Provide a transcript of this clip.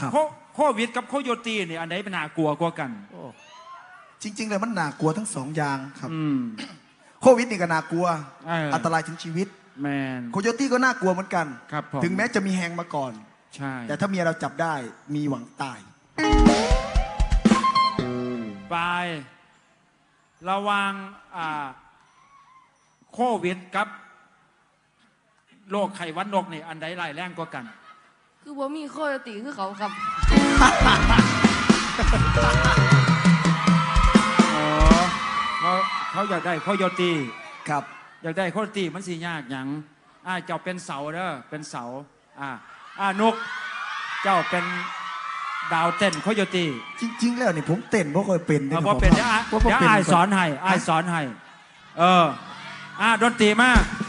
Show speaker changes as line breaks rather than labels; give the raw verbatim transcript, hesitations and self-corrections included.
โคโควิดกับโคโยตีเนี่ยอันไหนเป็นน่ากลัวกว่ากัน
จริงๆเลยมันน่ากลัวทั้งสองอย่างครับโควิดนี่ก็น่ากลัว อันตรายถึงชีวิต
แมน
โคโยตี้ก็น่ากลัวเหมือนกัน
ครับ
ถึงแม้จะมีแฮงมาก่อน
ใช่
แต่ถ้าเมียเราจับได้มีหวังตาย
ไประวังโควิดกับโรคไข้หวัดนกนี่อันใดร้ายแรงกว่ากัน
คือว่ามีโคโยตีคือเขาครับ
อ๋อเขาเขาอยากได้โคโยตี
ครับ
อยากได้โคโยตีมันสิยากหยังอ่าเจ้าเป็นเสาเด้อเป็นเสาอ่าอ่านุกเจ้าเป็นดาวเต้นโคโยตี
จริงๆแล้วนี่ผมเต้นเพราะเคยเป็น
เพราะเป็นเดี๋ยวอายสอนให้อายสอนให้เอออ่าดนตรีมา